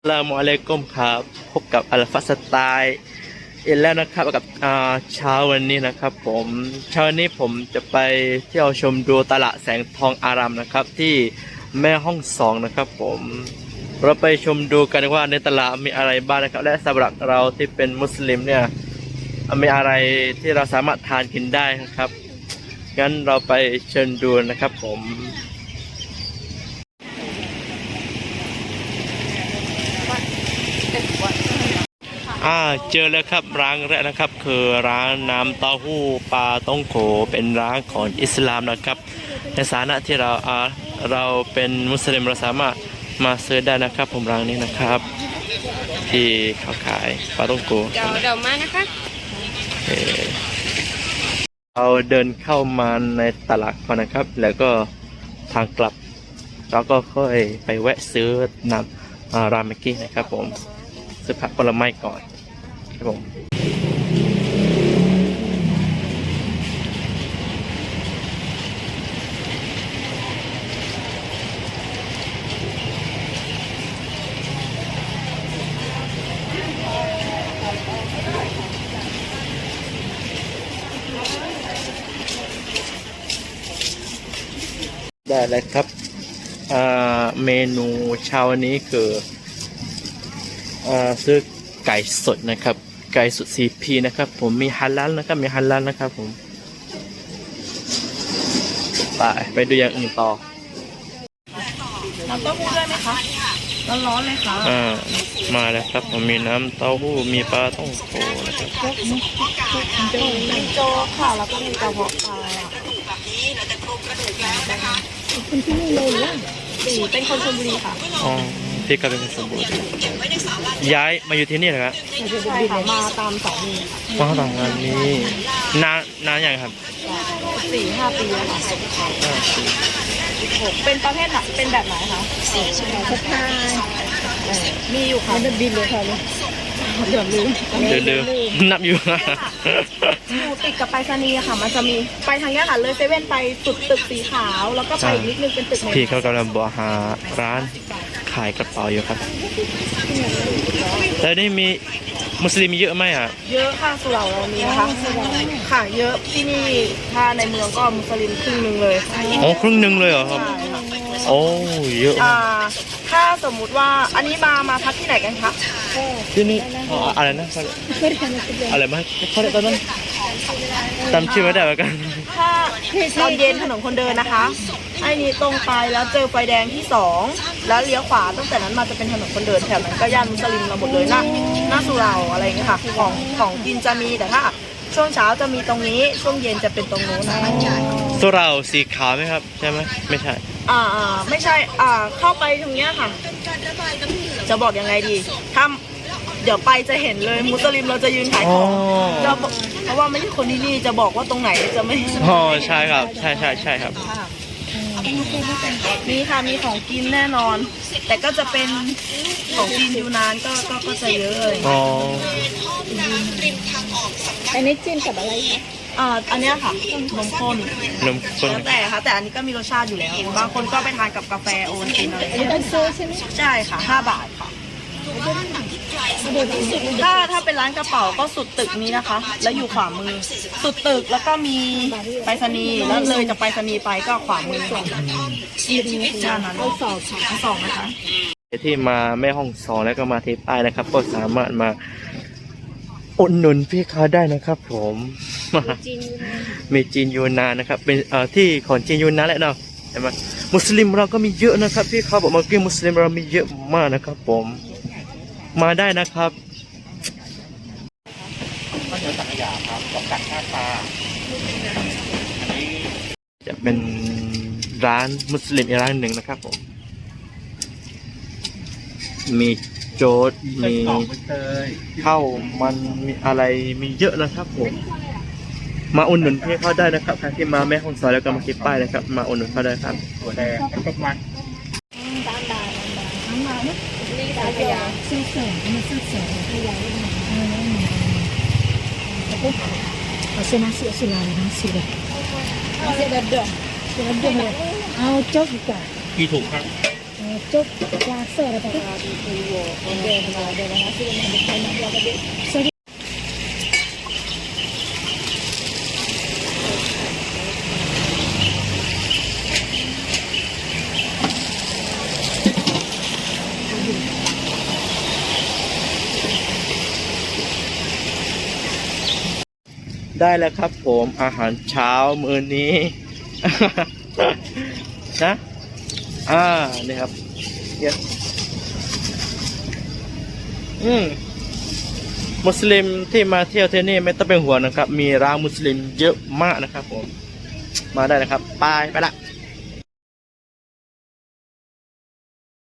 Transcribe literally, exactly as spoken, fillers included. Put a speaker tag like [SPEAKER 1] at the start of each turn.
[SPEAKER 1] ลามุอะลัยกุมครับพบกับอัลฟาสไตล์อีกแล้วนะครับกับอ่าเช้าวันนี้นะครับผมเช้านี้ผมจะไปเที่ยวชมดูตลาดแสงทองอารามนะครับที่แม่ห้องสองนะครับผมเราไปชมดูกันว่าในตลาดมีอะไรบ้างนะครับและสำหรับเราที่เป็นมุสลิมเนี่ยมีอะไรที่เราสามารถทานกินได้นะครับงั้นเราไปเชิญดูนะครับผมอ่าเจอแล้วครับร้านแรกนะครับคือร้านน้ำเต้าหู้ปลาต้องโขเป็นร้านของอิสลามนะครับในฐานะที่เราอ่าเราเป็นมุสลิมเราสามารถมาซื้อได้นะครับผมร้านนี้นะครับที่เขาขายปลาต้องโข
[SPEAKER 2] เดี๋ยวเดี๋ยวมานะคะ
[SPEAKER 1] เราเดินเข้ามาในตลาดก่อนนะครับแล้วก็ทางกลับเราก็ค่อยไปแวะซื้อน้ำรามเมกี้นะครับผมซื้อผักผลไม้ก่อนครับผมได้เลยครับเมนูเช้านี้คือซื้อไก่สดนะครับไก่สด ซี พี นะครับผมมีฮัลลัลนะครับมีฮัลลัลนะครับผมไปไปดูอย่างอื่นต่อ
[SPEAKER 2] น้ำเต้าหู้ด้วยไหมคะร้อนๆเลยค่ะ
[SPEAKER 1] อ่ามาแล้วครับผมมีน้ำเต้าหู้มีปลาท่องโกนะครับ
[SPEAKER 2] มีโจ๊กค่ะแล้วก็มีกระเพาะปลาคุณที่นี่เลยหรือสี่เป็นคนชลบุรีค่ะ
[SPEAKER 1] อ๋อพี่ก็เป็นคนชลบุรีย้ายมาอยู่ที่นี่เหรอครับ
[SPEAKER 2] ใช่ค่ะมาตามสามี
[SPEAKER 1] มาตามงานนี้นานนานอย่างครับ
[SPEAKER 2] สี่ห้าปีแล้วค่ะเป็นประเภทไหนเป็นแบบไหนคะสี่ชั่วโมงทุกทางมีอยู่ค่ะจะบินเลยค่ะเดี๋ยวลืม
[SPEAKER 1] เดี๋ยวลืมนับอยู่
[SPEAKER 2] อยู่ติดกับไปรษณีย์ค่ะมันจะมีไปทางนี้ค่ะเลยเซเว่นไปจุดตึกสีขาวแล้วก็ไปอีกนิดนึงเป็นตึก
[SPEAKER 1] พี่เขากำลังบอกหาร้านขายกระเป๋าอยู่ครับแล้วนี่มีมุสลิมเยอะไหมอ่ะ
[SPEAKER 2] เยอะค่ะสุเหร่าเรามีนะคะค่ะเยอะที่นี่ถ้าในเมืองก็มุสลิมครึ่งหนึ่งเลย
[SPEAKER 1] อ๋อครึ่งหนึ่งเลยเหรอครับโอ้เยอะ
[SPEAKER 2] อ่าถ้าสมมุติว่าอันนี้มามาพักที่ไหนกันคะ
[SPEAKER 1] ที่นี่อะไรนะอะไรมาเขาเรียกตอนนั้นจำชื่อไม่ได้เหมือนกัน
[SPEAKER 2] ถ้าตอนเย็นถนนคนเดินนะคะไอ้นี้ตรงไปแล้วเจอไฟแดงที่สองแล้วเลี้ยวขวาตั้งแต่นั้นมาจะเป็นถนนคนเดินแถวนั้นก็ย่านมุสลิมเราหมดเลยนะหน้าสุเหร่าอะไรอย่างเงี้ยค่ะของของกินจะมีแต่ถ้าช่วงเช้าจะมีตรงนี้ช่วงเย็นจะเป็นตรงนู้นนะคะ
[SPEAKER 1] สุเหร่าสีขาวไหมครับใช่ไหมไม่ใช่
[SPEAKER 2] อ่าอ่าไม่ใช่อ่าเข้าไปตรงเนี้ยค่ะจะบอกยังไงดีถ้าเดี๋ยวไปจะเห็นเลยมุสลิมเราจะยืนขายของจะเพราะว่าไม่ใช่คนที่นี่จะบอกว่าตรงไหนจะไม่
[SPEAKER 1] อ๋อใช่ครับใช่ใช่ใช่ครับ
[SPEAKER 2] มีค่ะมีของกินแน่นอนแต่ก็จะเป็นของกินอยู่นานก็ก็ก็จะเยอะเลย
[SPEAKER 1] อ๋อ
[SPEAKER 2] อันนี้จิ้มกับอะไรคะอ่าอันนี้ค่ะนมข้น
[SPEAKER 1] นมข้น
[SPEAKER 2] แล้วแต่ค่ะแต่อันนี้ก็มีรสชาติอยู่แล้วบางคนก็ไปทานกับกาแฟโอนกินอะไรอย่างเงี้ยเป็นซื้อใช่ไหมใช่ค่ะห้าบาทค่ะถ้าถ้าเป็นร้านกระเป๋าก็สุดตึกนี้นะคะแล้วอยู่ขวามือสุดตึกแล้วก็มีไปรษณีย์แล้วเลยจากไปรษณีย์ไปก็ขวามือด้านนั้นสองสองนะคะ
[SPEAKER 1] ที่มาแม่ห้องสองแล้วก็มาที่ใต้นะครับก็สามารถมาอุดหนุนพี่เขาได้นะครับผมมีจีนยูนานนะครับเป็นเอ่อที่ของจีนยูนานแหละเนาะใช่ไหมมุสลิมเราก็มีเยอะนะครับพี่เขาบอกมาเกี่ยวมุสลิมเรามีเยอะมากนะครับผมมาได้นะครับข้าวเหนียวสังขยาครับกับกัดข้าวปลาจะเป็นร้านมุสลิมอีกร้านหนึ่งนะครับผมมีโจ๊ดมีข้าวมันมีอะไรมีเยอะนะครับผมมาอุดหนุนพี่เขาได้นะครับใครที่มาแม่ห้องสอนแล้วก็มาคิดป้ายนะครับมาอุดหนุนเขาได้ครับตัวแดงกับมัน
[SPEAKER 2] ขยะซื้อเสริมมันซื้อเสริมขยะได้ไหมเอาเส้นน้ำเสือสุราเลยน้ำเสือเส้นแบบเดือดเส้นแบบเดือดเอาโจ๊กดีกว่า
[SPEAKER 1] กี่ถุงครับ
[SPEAKER 3] Cuk rasa dapat. Ada ada nasi yang berkaitan dengan dia. Sorry.
[SPEAKER 1] ได้แล้วครับผมอาหารเช้ามื้อนี้ นะอ่านี่ครับเยอะอืมมุสลิมที่มาเที่ยวที่นี่ไม่ต้องเป็นห่วงนะครับ มีร้านมุสลิมเยอะมากนะครับผมมาได้นะครับไปไปละ